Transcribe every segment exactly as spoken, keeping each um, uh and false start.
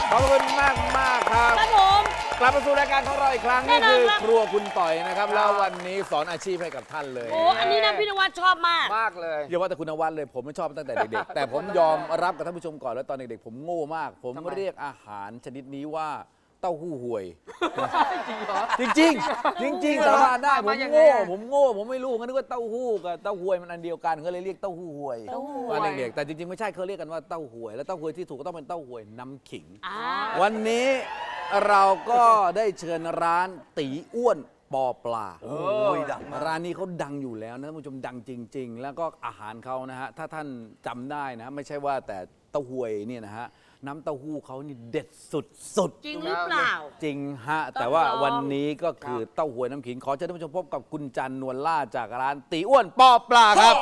ขอบคุณมากมากครับครับผมกลับมาสู่รายการของเราอีกครั้งนี่คือครัวคุณต่อยนะครับแล้ววันนี้สอนอาชีพให้กับท่านเลยโอ้อันนี้นะพี่นวัดชอบมากมากเลยอย่าว่าแต่คุณนวัดเลยผมไม่ชอบตั้งแต่เด็กๆ แต่ผมยอมรับกับท่านผู้ชมก่อนแล้วตอนเด็กๆผมโง่มาก ผมเรียกอาหารชนิดนี้ว่าเต้าหู้ห่วย จริงจริงจริงจริงๆสาบานได้ผมโง่ผมโง่ผมไม่รู้งั้นนึกว่าเต้าหู้กับเต้าหวยมันอันเดียวกันเขาเลยเรียกเต้าหู้ห่วยตอนเด็กๆแต่จริงๆไม่ใช่เขาเรียกกันว่าเต้าหวยแล้วเต้าหวยที่ถูกก็ต้องเป็นเต้าหวยน้ำขิง วันนี้เราก็ได้เชิญร้านตีอ้วนปอปลาโอ้ยดังร้านนี้เขาดังอยู่แล้วนะท่านผู้ชมดังจริงๆแล้วก็อาหารเขานะฮะถ้าท่านจำได้นะไม่ใช่ว่าแต่เต้าหวยเนี่ยนะฮะน้ำเต้าหู้เขานี่เด็ดสุดๆจริงหรือเปล่าจริงฮะแต่ว่าวันนี้ก็คือเต้าหวยน้ำขิงขอเชิญท่านผู้ชมพบกับคุณจันนวลล่าจากร้านตีอ้วนปอปลาครับ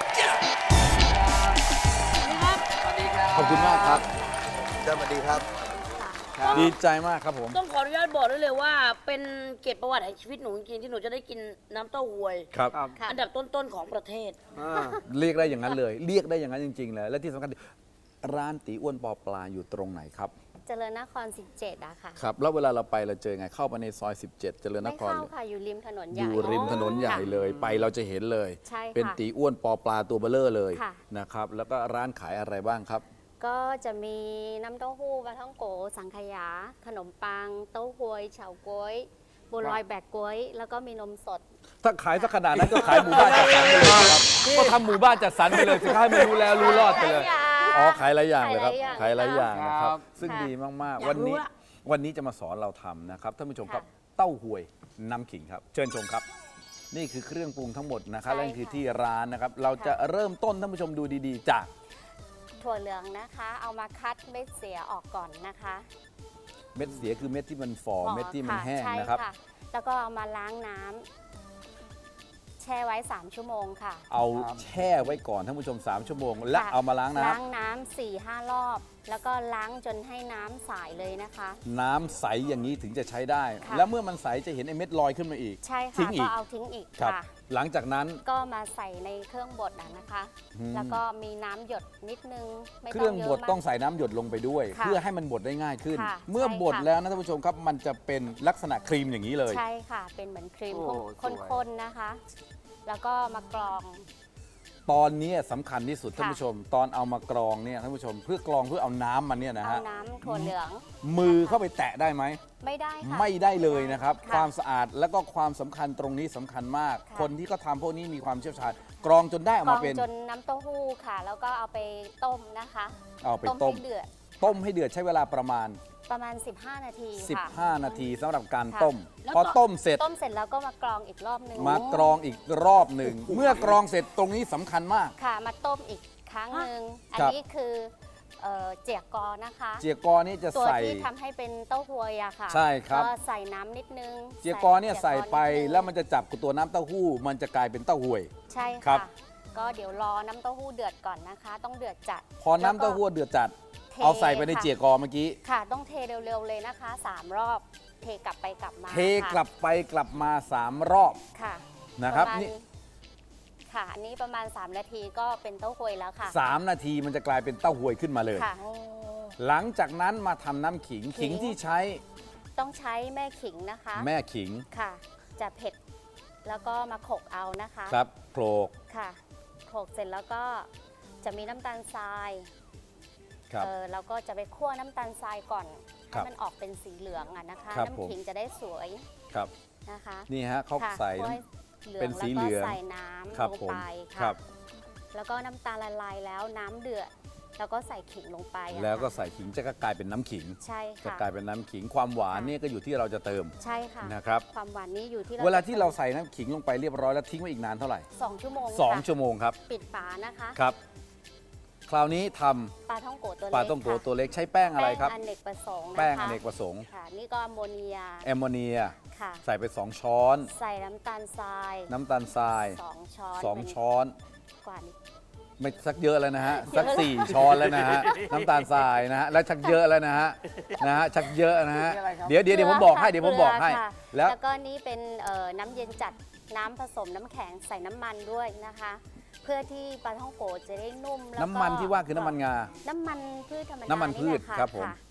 ขอบคุณมากครับสวัสดีครับดีใจมากครับผมต้องขออนุญาตบอกได้เลยว่าเป็นเกียรติประวัติแห่งชีวิตหนูจริงๆที่หนูจะได้กินน้ำเต้าหวยครับอันดับต้นๆของประเทศเรียกได้อย่างนั้นเลย เรียกได้อย่างนั้นจริงๆเลยและที่สำคัญร้านตีอ้วนปอปลาอยู่ตรงไหนครับเจริญนครสิบเจ็ดอะค่ะครับแล้วเวลาเราไปเราเจอไงเข้าไปในซอยสิบเจ็ดเจริญนไม่ครเข้าค่ะอยู่ริมถนนใหอญ่ยู่ริมถนนใหญ่เลยไปเราจะเห็นเลยใช่ค่ะเป็นตีอ้วนปอปลาตัวเบลเลอร์เลยค่ะนะครับแล้วก็ร้านขายอะไรบ้างครับก็จะมีน้ำเต้าหู้ปลาท่องโกสังขยา ขนมปัง เต้าหวยเฉาก๊วยบัวลอยแบกก๊วยแล้วก็มีนมสดถ้าขายสักขนาดนั้นก็ขายหมู่บ้านจัดสรรไปเลยครับก็ทำหมู่บ้านจัดสรรไปเลยสิครับให้มันรู้แล้วรู้รอดไปเลยอ๋อขายหลายอย่างเลยครับขายหลายอย่างนะครับซึ่งดีมากๆวันนี้วันนี้จะมาสอนเราทำนะครับท่านผู้ชมครับเต้าหวยน้ำขิงครับเชิญชมครับนี่คือเครื่องปรุงทั้งหมดนะครับและนี่คือที่ร้านนะครับเราจะเริ่มต้นท่านผู้ชมดูดีๆจากถั่วเหลืองนะคะ เอามาคัดเม็ดเสียออกก่อนนะคะเม็ดเสียคือเม็ดที่มันฝ่ออ๋อเม็ดที่มันค่ะแห้งใช่นะครับแล้วก็เอามาล้างน้ำแช่ไว้สามชั่วโมงค่ะเอาแช่ไว้ก่อนท่านผู้ชมสามชั่วโมงและเอามาล้างน้ำล้างน้ำสี่ห้ารอบ แล้วก็ล้างจนให้น้ำใสเลยนะคะน้ำใสอย่างนี้ถึงจะใช้ได้ค่ะแล้วเมื่อมันใสจะเห็นไอ้เม็ดลอยขึ้นมาอีกใช่ทิ้ค่ะงอีก็กเอาทิ้งอีกครับค่ะหลังจากนั้นก็มาใส่ในเครื่องบดอะนะคะอืมแล้วก็มีน้ำหยดนิดนึงไม่เคต้รื่อองงเยบอะดมากต้องใส่น้ำหยดลงไปด้วยค่ะเพื่อให้มันบดได้ง่ายขึ้นค่ะเมื่อใช่บดค่ะแล้วนะท่านผู้ชมครับมันจะเป็นลักษณะครีมอย่างนี้เลยใช่ค่ะ เป็นเหมือนครีมโอ้สวยข้นๆนะคะ แล้วก็มากรองตอนนี้สำคัญที่สุดค่ะท่านผู้ชม ตอนเอามากรองเนี่ยท่านผู้ชมเพื่อกรองเพื่อเอาน้ำมันเนี่ยนะเอาฮะน้ำถั่วเหลืองมือเข้าไปแตะได้ไหมไม่ได้ค่ะไม่ได้เลยนะครับค่ะความสะอาดแล้วก็ความสำคัญตรงนี้สำคัญมากค่ะคนที่เขาทำพวกนี้มีความเชี่ยวชาญกรองจนได้ออกกรอมาง เป็นจนน้ำเต้าหู้ค่ะ แล้วก็เอาไปต้มนะคะเอาไปต้มให้เดือดต้มให้เดือดใช้เวลาประมาณประมาณ สิบห้า นาทีค่ะสิบห้า นาทีสำหรับการค่ะต้มแล้วพอก็ต้มเสร็จต้มเสร็จแล้วก็มากรองอีกรอบนึงมากรองอีกรอบหนึ่ง เมื่อกรองเสร็จตรงนี้สำคัญมากค่ะ มาต้มอีกครั้งหนึ่งอันครับนี้คือเอ่อเจียกอนะคะเจียกอนี่จะตัวใส่ที่ทำให้เป็นเต้าหวยอะค่ะใช่ครับก็ใส่น้ำนิดนึงเจียกอเนี่ยใส่ไปเจียกอนิดนึงแล้วมันจะจับกับตัวน้ำเต้าหู้ มันจะกลายเป็นเต้าหวยใช่ครัค่ะบก็เดี๋ยวรอน้ำเต้าหู้เดือดก่อนนะคะ ต้องเดือดจัดพอน้ำเต้าหู้เดือดจัดเทเอาใส่ไปในค่ะเจียกอเมื่อกี้ค่ะ ต้องเทเร็วๆเลยนะคะสามรอบ เทกลับไปกลับมาเทกลับไปกลับมาสามรอบค่ะนะครับปมาณนี่ค่ะ อันนี้ประมาณ สาม นาทีก็เป็นเต้าหวยแล้วค่ะสามนาทีมันจะกลายเป็นเต้าหวยขึ้นมาเลยค่ะหลังจากนั้นมาทำน้ำขิง ขิงที่ใช้ต้องใช้แม่ขิงนะคะแม่ขิงค่ะ จะเผ็ด แล้วก็มาโขลกเอานะคะครับโขลกค่ะโขลกเสร็จแล้วก็จะมีน้ำตาลทรายครับเออเราก็จะไปคั่วน้ำตาลทรายก่อนครัให้บมันออกเป็นสีเหลืองอะนะคะครับน้ำขิงจะได้สวยครับนะคะนี่ฮะเขาค่ะใส่คั่วน้ำให้เหลืองเป็นสีแล้วเหลืก็องใส่น้ำครับลงผมไปครัค่ะบแล้วก็น้ำตาลละลายแล้วน้ำเดือดแล้วก็ใส่ขิงลงไปอะแล้วก็ค่ะใส่ขิงจะก็กลายเป็นน้ำขิงใช่จะค่ะกลายเป็นน้ำขิงความหวานค่ะเนี่ยก็อยู่ที่เราจะเติมใช่ค่ะนะครับความหวานนี้อยู่ที่เวลาที่เราใส่น้ำขิงลงไปเรียบร้อยแล้วทิ้งไว้อีกนานเท่าไหร่สองชั่วโมงสองค่ะชั่วโมงครับปิดฝานะคะครับ คราวนี้ทำปลาท่องโกะตัวเล็กปลาต้มโกค่ะตัวเล็กใช้แป้งอะไรครับแป้งอเนกประสงค์นะคะแป้งอเนกประสงค์ค่ะ นี่ก็แอมโมเนียแอมโมเนียค่ะใส่ไปสองช้อนใส่น้ำตาลทรายน้ำตาลทรายสองช้อนสองเป็นช้อนกว่านี้ไม่สักเยอะแล้วนะฮะสักสี่ช้อนแล้วนะฮะน้ำตาลทรายนะฮะแล้วชักเยอะแล้วนะฮะนะฮะชักเยอะนะฮะนี่อะไรครับเดี๋ยวเดี๋ยวเดี๋ยวผมบอกให้เดี๋ยวผมบอกให้เกลืค่ะแล้วแล้วก็นี่เป็นเอ่อน้ำเย็นจัดน้ำผสมน้ำแข็งใส่น้ำมันด้วยนะคะ เพื่อที่ปลาท่องโกะจะได้นุ่มแล้วก็น้ำมันที่ว่าคือน้ำมันงาน้ำมันพืชธรรมดาน้ำมันพืชแหละะครับผมะ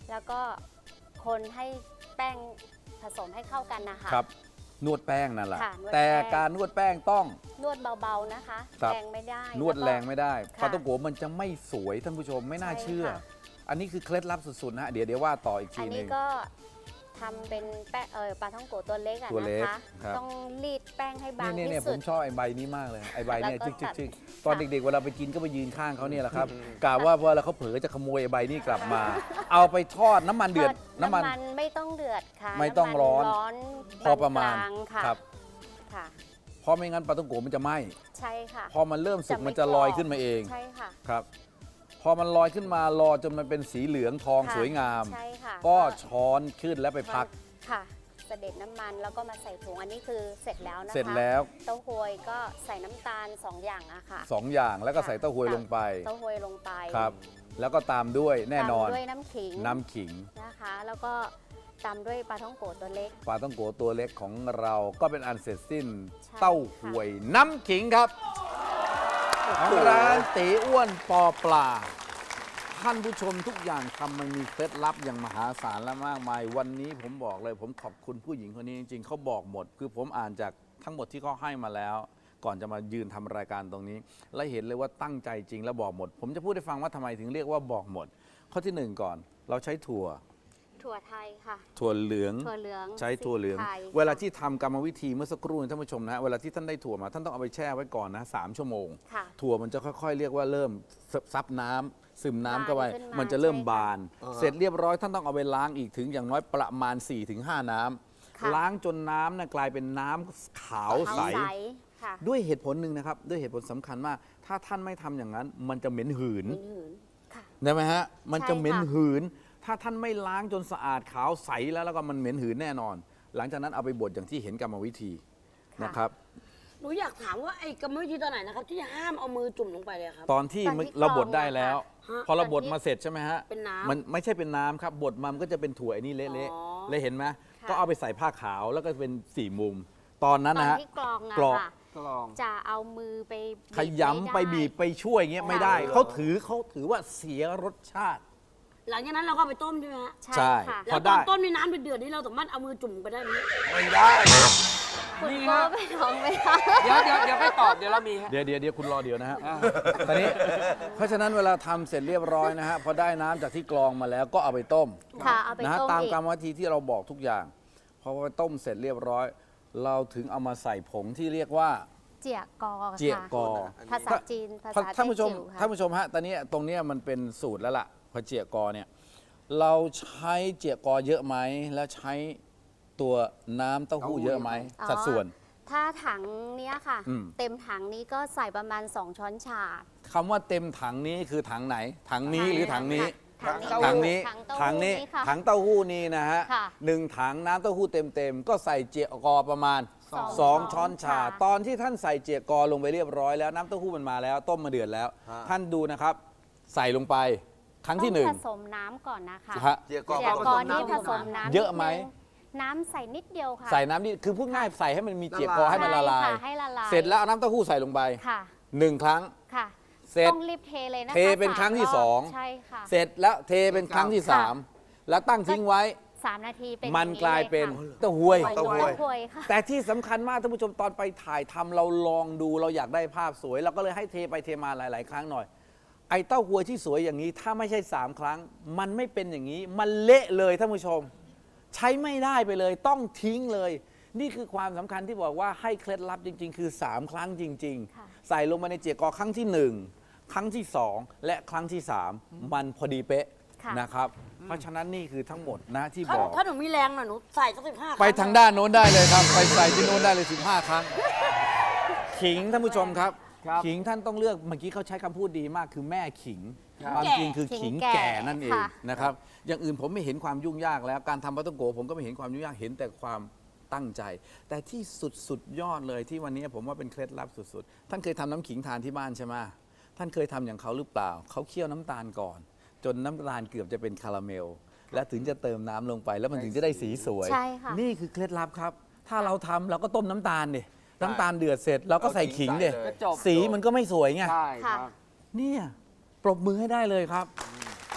แล้วก็คนให้แป้งผสมให้เข้ากันนะคะครับ นวดแป้งนั่นแหละค่ะนวดแต่แป้งการนวดแป้งต้องนวดเบาๆนะคะครับแรงไม่ได้นวดแล้ก็แรงไม่ได้ค่ะปลาต้องโกมันจะไม่สวยท่านผู้ชมไม่น่าใช่เชื่อค่ะอันนี้คือเคล็ดลับสุดๆนะฮะเดี๋ยวเดี๋ยวว่าต่ออีกอัทีนหนี้นึ่งก็ทำเป็นแป้งเออปลาท่องโกะตัวเล็กอะตัวเล็นะกคะครับต้องรีดแป้งให้บางนี่เนี่ยที่ผสุดมชอบไอ้ใบนี้มากเลยไอ้ใบเนี่ยแล้วก็จิกจิกตัดจิกตอนเด็กๆเวลาไปกินก็ไปยืนข้างเขาเนี่ยแหละครับกะว่าเวลาเขาเผลอจะขโมยไอ้ใบนี้กลับมา เอาไปทอดน้ำมันเดือดทน้ำมันไม่ต้องเดือดค่ะไม่ต้องร้อนำมัร้อนพอประมาณปนกลางค่ะครับค่ะเพราะไม่งั้นปลาต้องโกมันจะไหม้ใช่ค่ะพอมันเริ่มสุกจะไม่มันจะลอยกรอบขึ้นมาเองใช่ค่ะครับ พอมันลอยขึ้นมารอจนมันเป็นสีเหลืองทองค่ะสวยงามใช่ค่ะก็ช้อนขึ้นแล้วไปพักค่ะเสด็จน้ำมันแล้วก็มาใส่ถุงอันนี้คือเสร็จแล้วนะคะเสร็จแล้วเต้าหวยก็ใส่น้ำตาลสองอย่างอะค่ะสองอย่างแล้วก็ค่ะใส่เต้าหวยลงไปเต้าหวยลงไปครับ แล้วก็ตามด้วยแน่นอนตามด้วยน้ำขิงน้ำขิงนะคะ แล้วก็ตามด้วยปลาท่องโกะตัวเล็กปลาต้องโกตัวเล็กของเราก็เป็นอันเสร็จสิ้นใช่เต้าหวยน้ำขิงครับของร้านตีอ้วนปอปลา ท่านผู้ชมทุกอย่างทำมันมีเคล็ดลับอย่างมหาศาลและมากมาย วันนี้ผมบอกเลย ผมขอบคุณผู้หญิงคนนี้จริงๆเขาบอกหมด คือผมอ่านจากทั้งหมดที่เขาให้มาแล้ว ก่อนจะมายืนทำรายการตรงนี้ และเห็นเลยว่าตั้งใจจริงและบอกหมด ผมจะพูดให้ฟังว่าทำไมถึงเรียกว่าบอกหมด ข้อที่หนึ่งก่อน เราใช้ถั่วถั่วไทยค่ะถั่วเหลืองถั่วเหลืองใช้ถั่วเหลืองสีไทยเวลาที่ทำกรรมวิธีเมื่อสักครู่นี้ท่านผู้ชมนะฮะเวลาที่ท่านได้ถั่วมาท่านต้องเอาไปแช่ไว้ก่อนนะสามชั่วโมงค่ะถั่วมันจะค่อยๆ เรียกว่าเริ่มซับน้ำซึมน้ำเข้าไปบานขึ้นมามันจะเริ่มใช่ค่ะบาน เสร็จเรียบร้อยท่านต้องเอาไปล้างอีกถึงอย่างน้อยประมาณ สี่ถึงห้า น้ำค่ะล้างจนน้ำนะกลายเป็นน้ำขาวใสขาวค่ะด้วยเหตุผลหนึ่งนะครับ ด้วยเหตุผลสำคัญมาก ถ้าท่านไม่ทำอย่างนั้น มันจะเหม็นหืนหืนค่ะได้ไหมฮะ มันจะเหม็นใช่ค่ะหืน ถ้าท่านไม่ล้างจนสะอาดขาวใสแล้วแล้วก็มันเหม็นหืนแน่นอน หลังจากนั้นเอาไปบดอย่างที่เห็นกรรมวิธีนะครับหนูอยากถามว่าไอ้กรรมวิธีตอนไหนนะครับ ที่ห้ามเอามือจุ่มลงไปเลยครับตอนที่ตอนที่เราบดกรองได้แล้วฮะพอเราตอนบดที่มาเสร็จใช่ไหมฮะเป็นน้ำมันไม่ใช่เป็นน้ำครับบดมามันก็จะเป็นถั่วไอ้นี่เละอ๋อๆเลยเห็นไหมค่ะก็เอาไปใส่ผ้าขาวแล้วก็เป็นสี่มุม ตอนนั้นตอนนะฮะที่กรองอะกรองค่ะกลองจะเอามือไปขยำไปบีบไปช่วยอย่างเงี้ยไม่ได้ค่ะเขาถือเขาถือว่าเสียรสชาติหลังจากนั้นเราก็เอาไปต้มใช่ไหมฮะใช่ใช่ค่ะพแล้อวตได้อนต้มในน้ำเดือดๆนี่เราสามารถเอามือจุ่มไปได้ไหมไม่ได้คุณนี่โก้ฮะไปลองไหมคะเดี๋ยวเดี๋ยวเดี๋ยวให้ตอบเดี๋ยวเรามีฮะเดี๋ยวเดี๋ยวเดี๋ยวคุณรอเดี๋ยวนะฮะตอนนี้เพราะฉะนั้นเวลาทำเสร็จเรียบร้อยนะฮะพอได้น้ำจากที่กรองมาแล้วก็เอาไปต้มค่ะ เอาไปนะฮะต้มตามอีกกรรมวิธีที่เราบอกทุกอย่างพอไปต้มเสร็จเรียบร้อย เราถึงเอามาใส่ผงที่เรียกว่าเจียกอค่ะเจียกอภาษาจีน ภาษาท่านผู้ชมแต้จิ๋วค่ะท่านผู้ชมฮะตอนนี้ตรงเนี้ยมันเป็นสูตรแล้วล่ะพอเจียกอเนี่ยเราใช้เจียกอเยอะไหมแล้วใช้ตัวน้ำเต้าหู้เยอะไหมอ๋อสัดส่วนถ้าถังเนี้ยค่ะอืมเต็มถังนี้ก็ใส่ประมาณ สอง ช้อนชาคำว่าเต็มถังนี้คือถังไหน ถังนี้หรือถังนี้ถังถังนี้ถังเต้าถังหู้นี้นี้ค่ะถังเต้าหู้นี้นะฮะค่ะหนึ่งถังน้ำเต้าหู้เต็มๆก็ใส่เจียกอประมาณสองสองช้อนชาค่ะตอนที่ท่านใส่เจียกอลงไปเรียบร้อยแล้วน้ำเต้าหู้มันมาแล้ว ต้มมาเดือดแล้วฮะท่านดูนะครับ ใส่ลงไปครั้งที่หนึ่งต้องผสมน้ำก่อนนะคะฮะเจียกอเจียผกสอมนี่น้ำผสมน้ำเยอะไหมนิดนึงน้ำใส่นิดเดียวค่ะใส่น้ำนี่คือพูดง่ายใส่ให้มันมีเจียกอให้มันละลายใช่ค่ะให้ละลายเสร็จแล้วเอาน้ำเต้าหู้ใส่ลงไปค่ะหนึ่งครั้งค่ะเสร็จต้องรีบเทเลยนะคะเทเป็นครั้งที่ามสองใช่ค่ะเสร็จแล้วเทเป็นครั้งที่สามแล้วตั้งทิ้งไว้สามนาทีเป็นมันองกลายเป็นค่ะเต้าหวยเต้าหวยเต้าหวยค่ะแต่ที่สำคัญมากท่านผู้ชมตอนไปถ่ายทำเราลองดูเราอยากได้ภาพสวยเราก็เลยให้เทไปเทมาหลาย ๆ ครั้งหน่อย ไอ้เต้าหวยที่สวยอย่างนี้ถ้าไม่ใช่สามครั้ง มันไม่เป็นอย่างนี้ มันเละเลยท่านผู้ชม ใช้ไม่ได้ไปเลยต้องทิ้งเลย นี่คือความสำคัญที่บอกว่าให้เคล็ดลับจริง ๆ คือสามครั้งจริงค่ะๆ ใส่ลงมาในเจียกอครั้งที่หนึ่งครั้งที่สองและครั้งที่สามมันพอดีเป๊ะค่ะนะครับ เพราะฉะนั้นนี่คือทั้งหมดนะที่ถ้าบอกถ้าหนูมีแรงหน่อยหนูใส่สักสิบห้าไปทางด้านโน้นได้เลยครับ ไปใส่ที่โน้นได้เลยสิบห้าครั้ง ขิงท่านผู้ชมครับครับขิงท่านต้องเลือกเมื่อกี้เขาใช้คำพูดดีมากคือแม่ขิงครับความจริงคือขิขิงงแก่แก่นั่นเองค่ะนะครับอย่างอื่นผมไม่เห็นความยุ่งยากแล้วการทำปลาต้องโกะผมก็ไม่เห็นความยุ่งยากเห็นแต่ความตั้งใจ แต่ที่สุดสุดยอดเลยที่วันนี้ผมว่าเป็นเคล็ดลับสุดๆท่านเคยทำน้ำขิงทานที่บ้านใช่ไหมท่านเคยทำอย่างเขาหรือเปล่าเขาเคี่ยวน้ำตาลก่อน จนน้ำตาลเกือบจะเป็นคาราเมล แล้วถึงจะเติมน้ำลงไป แล้วมันถึงจะได้สีสวยใช่ค่ะนี่คือเคล็ดลับครับ ถ้าเราทำเราก็ต้มน้ำตาลดิน้ำตาลเดือดเสร็จเราก็ใส่ขิงดิเอาขิงใส่เลยก็จบสีมันก็ไม่สวยไงใช่ครับเนี่ยปรบมือให้ได้เลยครับ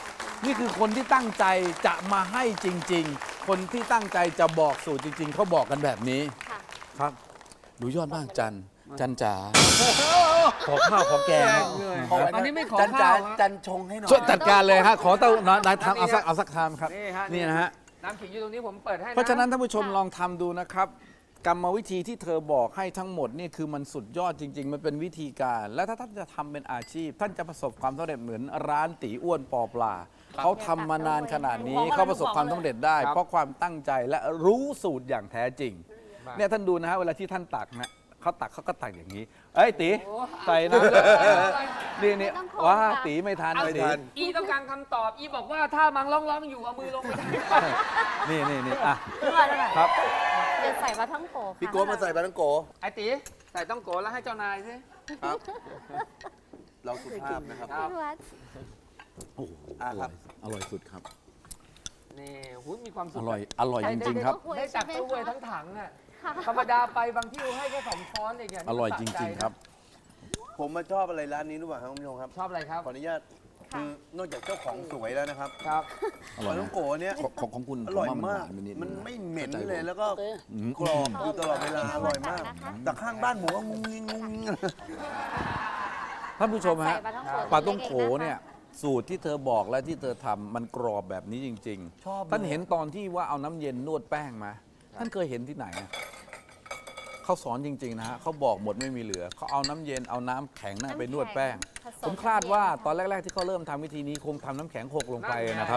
นี่คือคนที่ตั้งใจจะมาให้จริง ๆ คนที่ตั้งใจจะบอกสูตรจริง ๆเขาบอกกันแบบนี้ค่ะครับดูยอดมากจันจันจ๋าขอข้าวขอแกงนะอันนี้ไม่ขอจันจ๋าข้าวฮะจันชงให้หน่อยช่วยจัดการเลยฮะขอเต้านายทำเอาสักเอาสักทามครับนี่ฮะนี่นะฮะน้ำขิงอยู่ตรงนี้ผมเปิดให้เพราะฉะนั้นท่านผู้ชมค่ะลองทำดูนะครับ กรรมวิธีที่เธอบอกให้ทั้งหมดนี่คือมันสุดยอดจริง ๆ มันเป็นวิธีการ และถ้าท่านจะทำเป็นอาชีพ ท่านจะประสบความสำเร็จเหมือนร้านตีอ้วนปอปลาเขาทำมานานขนาดนี้เขาประสบความสำเร็จได้ เพราะความตั้งใจและรู้สูตรอย่างแท้จริง เนี่ยท่านดูนะฮะเวลาที่ท่านตักนะเขาตักเขาก็ตักอย่างนี้ เอ้ยตีใส่น้ำนี่นี่ว้าตีไม่ทันเอาไม่สิทันอีต้องการคำตอบ อีบอกว่าถ้ามังร้องร้องๆอยู่เอามือลงไปทนี่นี่นี่อ่ะเท่าไหร่เท่าไหร่ครับเดี๋ยวใส่ปลาท่องโกค่ะพี่โก้มาใส่ปลาต้องโกำไอ้ตีใส่ต้องโกแล้วให้เจ้านายสิครับ เราสุภาพนะครับครับพี่วัดโอ้โหอ่ะครับอร่อยสุดครับนี่หูยมีความสุอขร่อยอร่อยจริง ๆ ครับได้จากตู้เวยทั้งถังอ่ะ ธรรมดาไปบางที่ให้แค่สองช้อนเองอย่างนี้อร่อยจสะใจริง ๆ ครับผมมาชอบอะไรร้านนี้รู้ป่ะครับคุณผู้ชมครับชอบอะไรครับขออนุญาตคือนอกจากเจ้าของสวยแล้วนะครับครับอร่อยปลานะต้องโกเนี่ยของของของคุณอร่อยผว่มากหวไปดมันงะไม่เหม็นข้าใจเลยแล้วก็อืมกรอบอยู่ตลอดเวลาอร่อยมาก แต่ข้างบ้านผมก็งุ้งงิ้งงุ้งงิ้งท่านผู้ชมฮะใส่ปลาท่องโกปลาต้องโขล็กๆะคะเนี่ยสูตรที่เธอบอกและที่เธอทำมันกรอบแบบนี้จริงชอบๆ ท่านเห็นตอนที่ว่าเอาน้ำเย็นนวดแป้งมาท่านเคยเห็นที่ไหนอะเขาสอนจริง ๆ นะฮะเขาบอกหมดไม่มีเหลือเขาเอาน้ำเย็นเอาน้ำแข็งน่ะไปนวดแป้งผสผมคาดว่าตอนแรก ๆ ที่เขาเริ่มทำวิธีนี้คงทำน้ำแข็งหกลงไปนะครับ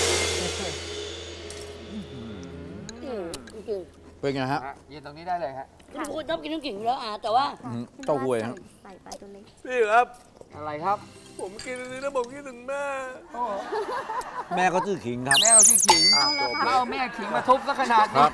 อืมจริงเป็นไงฮะฮะยืนตรงนี้ได้เลยฮะๆทุกคนชอบกินน้ำขิงอยู่แล้วอ่ะแต่ว่าอืมเต้าหวยฮะใส่ปลาตัวเล็กพี่ครับอะไรครับผมกินอันนี้แล้วผมคิดถึงแม่แม่ก็ชื่อขิงครับแม่เราชื่อขิงอ่ะจบแล้วเอาแม่ขิงมาทุบซะขนาดครั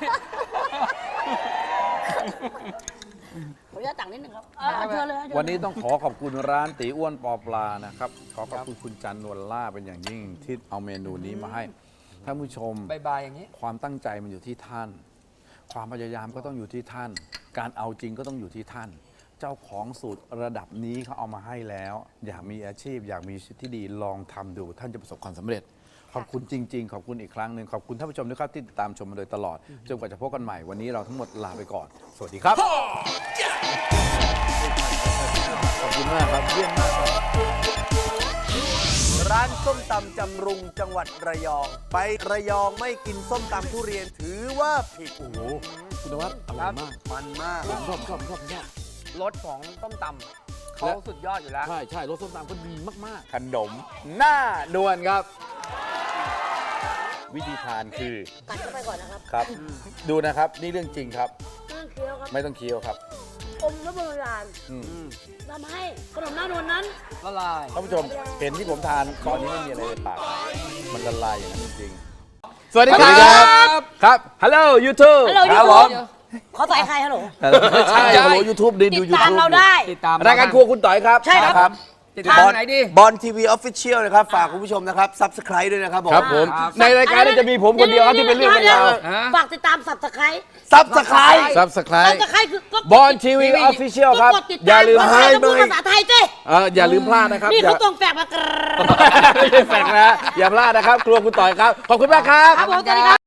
นี้บขออนุญาตตักนิดหนึ่งครับเอาเอาเชิญเลยฮะเชิญเลยวันนี้ต้องขอขอบคุณร้านตีอ้วนปอปลานะครับ ขอขอบคุณคุณจันนวลล่าเป็นอย่างยิ่งที่เอาเมนูนี้มาให้ท่านผู้ชมบายบายอย่างนี้ความตั้งใจมันอยู่ที่ท่าน ความพยายามก็ต้องอยู่ที่ท่าน การเอาจริงก็ต้องอยู่ที่ท่าน เจ้าของสูตรระดับนี้เขาเอามาให้แล้ว อยากมีอาชีพ อยากมีชีวิตที่ดีลองทำดู ท่านจะประสบความสำเร็จ ขอบคุณจริง ๆ ขอบคุณอีกครั้งหนึ่งขอบคุณท่านผู้ชมด้วยครับที่ติดตามชมมาโดยตลอดจนกว่าจะพบกันใหม่วันนี้เราทั้งหมดลาไปก่อน สวัสดีครับ ขอบคุณมากครับเยี่ยมมากครับร้านส้มตำจำรุงจังหวัดระยอง ไประยองไม่กินส้มตำทุเรียนถือว่าผิดโอ้โหคุณนวัดอร่อยมากมันมากผมชอบชอบชอบชอบรสของต้มตำเขาสุดยอดอยู่แล้วใช่ใช่รสส้มตำก็ดีมากๆ ขนมหน้านวลครับ วิธีทานคือกัดเข้าไปก่อนนะครับครับ ดูนะครับ นี่เรื่องจริงครับเครื่องเคี้ยวครับไม่ต้องเคี้ยวครับอมและโบราณอืมทำให้ขนมหน้านวลนั้นละลายท่านผู้ชมเห็นที่ผมทานตอนนี้ไม่มีอะไรในปาก มันละลายอย่างนั้นจริงๆ สวัสดีครับ ครับ ฮัลโหลยูทูบ Hello ครับ YouTube ผมเขาใส่ใครฮัลโหลไม่ใช่ฮัลโหลยูทูบดีติดูดยูตามทูบเราได้ติดตามรายการครัวคุณต่อยครับใช่ครับติดตามไหนดีบอลทีวีออฟฟิเชียลนะครับ ฝากคุณผู้ชมนะครับ ซับสไคร b e ด้วยนะครับผมครับผม ในรายการนี้จะมีผมคนเดียวครับที่เป็นเรื่องเป็นราวฮะฝากติดตามสับสไครซับสไคร b e ซับสไครสับต์สไครคือกดบอลทีวีออฟฟิเชียลครับก็กดติดอย่าตามลืมภาษาไทยต้องพูดภาษาไทยสิเอออย่าลืมพลาดนะครับนี่อย่าเขาตรงแฝกมากรไม่ใช่แฟกนะ อย่าพลาดนะครับ ครัวคุณต่อยครับ ขอบคุณมากครับครับผมสวัสดีครับ